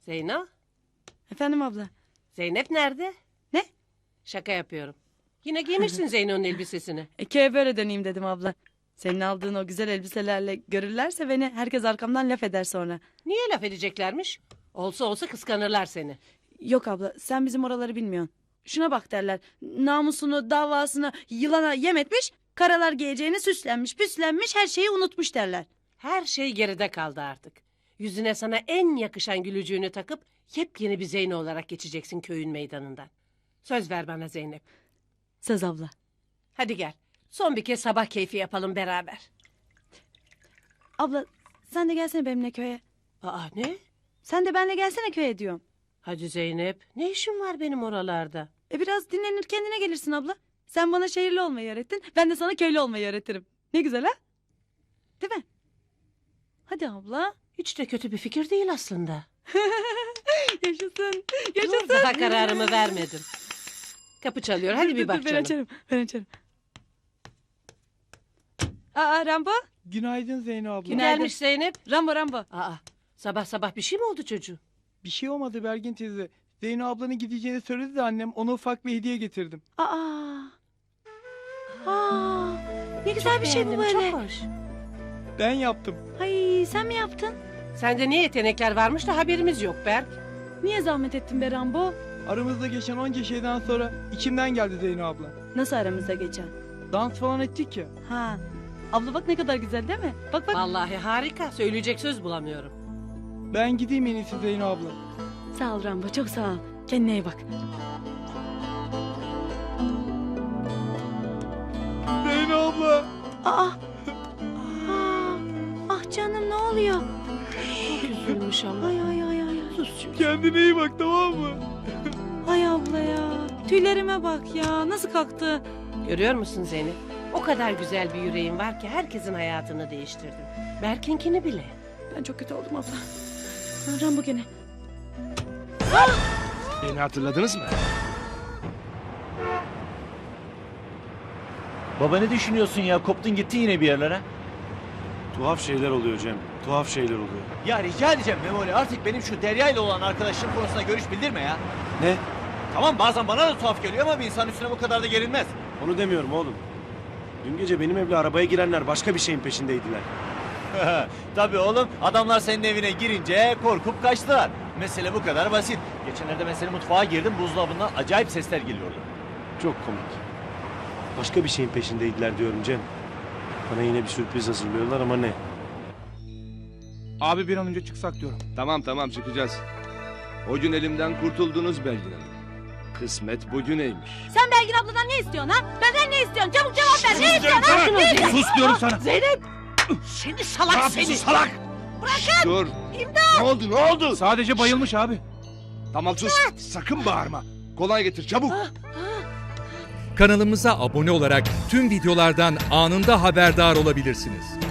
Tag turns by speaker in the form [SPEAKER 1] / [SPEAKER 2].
[SPEAKER 1] Zeyno?
[SPEAKER 2] Efendim abla.
[SPEAKER 1] Zeynep nerede?
[SPEAKER 2] Ne?
[SPEAKER 1] Şaka yapıyorum. Yine giymişsin Zeyno'nun elbisesini.
[SPEAKER 2] Köye böyle döneyim dedim abla. Senin aldığın o güzel elbiselerle görürlerse beni herkes arkamdan laf eder sonra.
[SPEAKER 1] Niye laf edeceklermiş? Olsa olsa kıskanırlar seni.
[SPEAKER 2] Yok abla sen bizim oraları bilmiyorsun. Şuna bak derler. Namusunu, davasını yılana yem etmiş. Karalar giyeceğini süslenmiş, püslenmiş, her şeyi unutmuş derler.
[SPEAKER 1] Her şey geride kaldı artık. Yüzüne sana en yakışan gülücüğünü takıp yepyeni bir Zeyno olarak geçeceksin köyün meydanından. Söz ver bana Zeynep.
[SPEAKER 2] Söz abla.
[SPEAKER 1] Hadi gel. Son bir kez sabah keyfi yapalım beraber.
[SPEAKER 2] Abla sen de gelsene benimle köye.
[SPEAKER 1] Aa ne?
[SPEAKER 2] Sen de benimle gelsene köye diyorum.
[SPEAKER 1] Hadi Zeynep. Ne işin var benim oralarda?
[SPEAKER 2] Biraz dinlenir kendine gelirsin abla. Sen bana şehirli olmayı öğrettin. Ben de sana köylü olmayı öğretirim. Ne güzel ha? Değil mi? Hadi abla.
[SPEAKER 1] Hiç de kötü bir fikir değil aslında.
[SPEAKER 2] Yaşasın.
[SPEAKER 1] Dur,
[SPEAKER 2] Yaşasın.
[SPEAKER 1] daha kararımı vermedim. Kapı çalıyor. Hadi bir bak
[SPEAKER 2] Ben
[SPEAKER 1] canım.
[SPEAKER 2] açarım. Ben açarım. Aa Rambo.
[SPEAKER 3] Günaydın Zeyno abla.
[SPEAKER 1] Kim
[SPEAKER 2] Günaydın.
[SPEAKER 1] gelmiş Zeynep?
[SPEAKER 2] Rambo.
[SPEAKER 1] Aa, sabah sabah bir şey mi oldu çocuğum?
[SPEAKER 3] Bir şey olmadı Bergin teyze. Zeyno ablanın gideceğini söyledi de annem ona ufak bir hediye getirdim.
[SPEAKER 2] Aa. Ne güzel bir şey bu
[SPEAKER 1] Beğendim,
[SPEAKER 2] böyle.
[SPEAKER 1] Çok hoş.
[SPEAKER 3] Ben yaptım.
[SPEAKER 2] Ay sen mi yaptın?
[SPEAKER 1] Sende ne yetenekler varmış da haberimiz yok Berk.
[SPEAKER 2] Niye zahmet ettin be Rambo?
[SPEAKER 3] Aramızda geçen onca şeyden sonra içimden geldi Zeyno abla.
[SPEAKER 2] Nasıl aramızda geçen?
[SPEAKER 3] Dans falan ettik ya.
[SPEAKER 2] Ha. Abla bak ne kadar güzel değil mi? Bak.
[SPEAKER 1] Vallahi harika. Söyleyecek söz bulamıyorum.
[SPEAKER 3] Ben gideyim en iyisi Zeyno abla.
[SPEAKER 2] Sağ ol Rambo çok sağ ol. Kendine iyi bak.
[SPEAKER 3] Zeyno abla.
[SPEAKER 2] Aa. Ah canım ne oluyor?
[SPEAKER 1] Çok üzülmüş ama.
[SPEAKER 2] Ay.
[SPEAKER 1] Sus çünkü.
[SPEAKER 3] Kendine iyi bak tamam mı?
[SPEAKER 2] Ay abla ya. Tüylerime bak ya. Nasıl kalktı?
[SPEAKER 1] Görüyor musun Zeynep? O kadar güzel bir yüreğin var ki herkesin hayatını değiştirdin. Berk'inkini bile.
[SPEAKER 2] Ben çok kötü oldum abla. Rambo gene.
[SPEAKER 4] Beni hatırladınız mı?
[SPEAKER 5] Baba ne düşünüyorsun ya? Koptun gittin yine bir yerlere.
[SPEAKER 4] Tuhaf şeyler oluyor Cem. Tuhaf şeyler oluyor.
[SPEAKER 5] Ya rica edeceğim Memoli artık benim şu Derya ile olan arkadaşlığım konusunda görüş bildirme ya.
[SPEAKER 4] Ne?
[SPEAKER 5] Tamam bazen bana da tuhaf geliyor ama bir insan üstüne bu kadar da gerilmez.
[SPEAKER 4] Onu demiyorum oğlum. Dün gece benim evle arabaya girenler başka bir şeyin peşindeydiler.
[SPEAKER 5] Tabii oğlum adamlar senin evine girince korkup kaçtılar. Mesele bu kadar basit. Geçenlerde ben senin mutfağa girdim buzdolabından acayip sesler geliyordu.
[SPEAKER 4] Çok komik. Başka bir şeyin peşindeydiler diyorum Cem. Bana yine bir sürpriz hazırlıyorlar ama ne?
[SPEAKER 3] Abi bir an önce çıksak diyorum.
[SPEAKER 6] Tamam çıkacağız. O gün elimden kurtuldunuz Belgin Hanım. Kısmet bugüneymiş.
[SPEAKER 2] Sen Belgin abladan ne istiyorsun ha? Benden ne istiyorsun? Çabuk cevap ver. Ne istiyorsun?
[SPEAKER 4] Sus diyorum sana.
[SPEAKER 1] Zeynep! Seni salak seni!
[SPEAKER 4] salak?
[SPEAKER 6] Dur. Ne oldu?
[SPEAKER 3] Sadece bayılmış abi.
[SPEAKER 6] Tamam sus. Sakın bağırma. Kolay getir çabuk.
[SPEAKER 7] Kanalımıza abone olarak tüm videolardan anında haberdar olabilirsiniz.